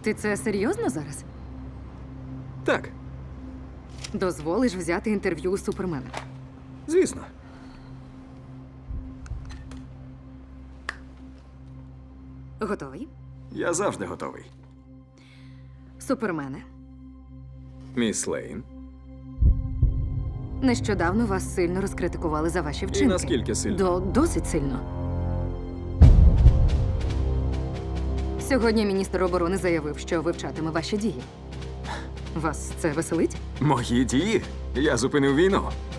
Ти це серйозно зараз? Так, Дозволиш взяти інтерв'ю у Супермена? звісно. Готовий? Я завжди готовий. Супермене, Міс Лейн. нещодавно вас сильно розкритикували за ваші вчинки. наскільки сильно? Досить сильно. Сьогодні міністр оборони заявив, що вивчатиме ваші дії. Вас це веселить? Мої дії? Я зупинив війну.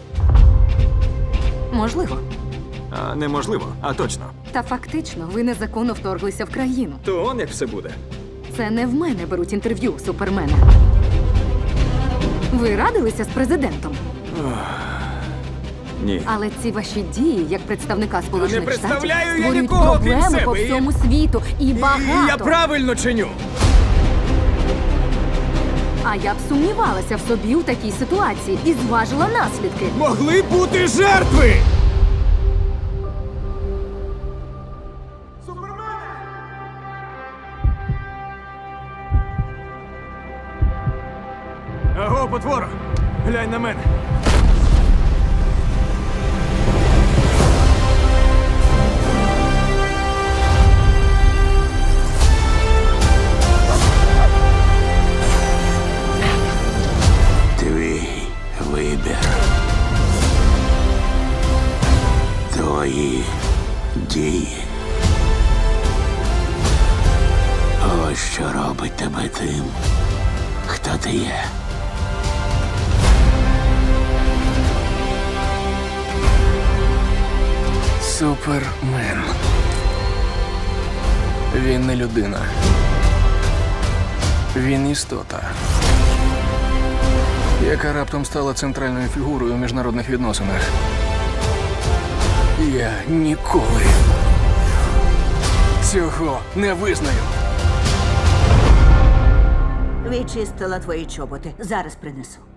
Можливо. А неможливо, а точно. Та фактично ви незаконно вторглися в країну. То он як все буде. Це не в мене беруть інтерв'ю у Супермена. Ви радилися з президентом, Ні. але ці ваші дії, як представника Сполучених Штатів, представляю я створюють нікого, крім проблеми себе, по і- всьому світу. І багато. Я правильно чиню. А я б сумнівалася в собі у такій ситуації і зважила наслідки. Могли бути жертви! Аго, потвора! Глянь на мене. Твій вибір. Твої дії. Ось що робить тебе тим, хто ти є. Супермен. Він не людина. Він істота, яка раптом стала центральною фігурою у міжнародних відносинах. Я ніколи цього не визнаю. Відчистила твої чоботи. Зараз принесу.